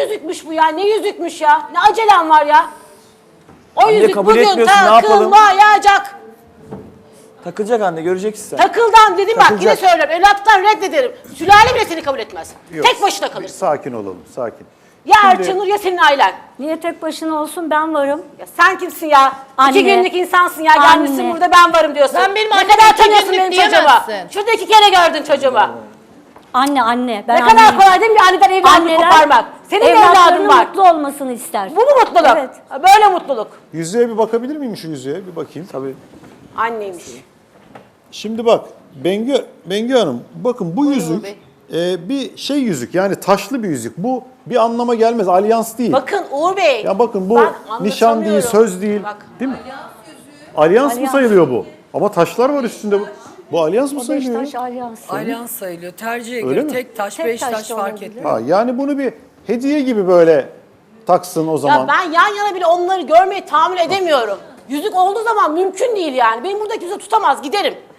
yüzükmüş bu ya? Ne yüzükmüş ya? Ne acelem var ya? O Anne, yüzük kabul bugün etmiyorsun, ne yapalım? takılmayacak. Takılacak anne, göreceksin sen. Takıldan dedim bak, yine Takılacak. söylüyorum. Evlattan reddederim. Sülale bile seni kabul etmez. Yok. Tek başına kalırsın. Sakin olalım, sakin. Ya Erçanur ya senin ailen. Niye tek başına olsun, ben varım. Ya sen kimsin ya? Anne. 2 günlük insansın ya. Anne. Gelmişsin burada ben varım diyorsun. Sen benim ne anneme kadar 2 tanıyorsun günlük benim çocuğumu? diyemezsin. Şurada 2 kere gördün çocuğumu. Anne. Ben Ne kadar anneyim. kolay değil mi bir anneden evladını koparmak? Senin de evladın evlatlarının var. mutlu olmasını ister. Bu mu mutluluk? Evet. Ha, böyle mutluluk. Yüzüğe bir bakabilir miyim, şu yüzüğe? Bir bakayım. Tabii. Anneymiş. Şimdi bak, Bengü Hanım, bakın bu yüzük bir şey yüzük, yani taşlı bir yüzük. Bu bir anlama gelmez, alyans değil. Bakın Uğur Bey. Ya bakın bu ben nişan değil, anlatamıyorum. söz değil. Bak. Değil mi? Alyans mı Alyans. sayılıyor bu? Ama taşlar var üstünde. Bu alyans mı O sayılıyor? Beşiktaş alyansı. Alyans sayılıyor. Tercihe Öyle göre mi? tek taş, Tek beş taş taş da fark olabilir. etmiyor. Ha, yani bunu bir hediye gibi böyle taksın o zaman. Ya ben yan yana bile onları görmeyi tahammül edemiyorum. Yüzük olduğu zaman mümkün değil yani. Benim buradaki yüzüğü tutamaz, giderim.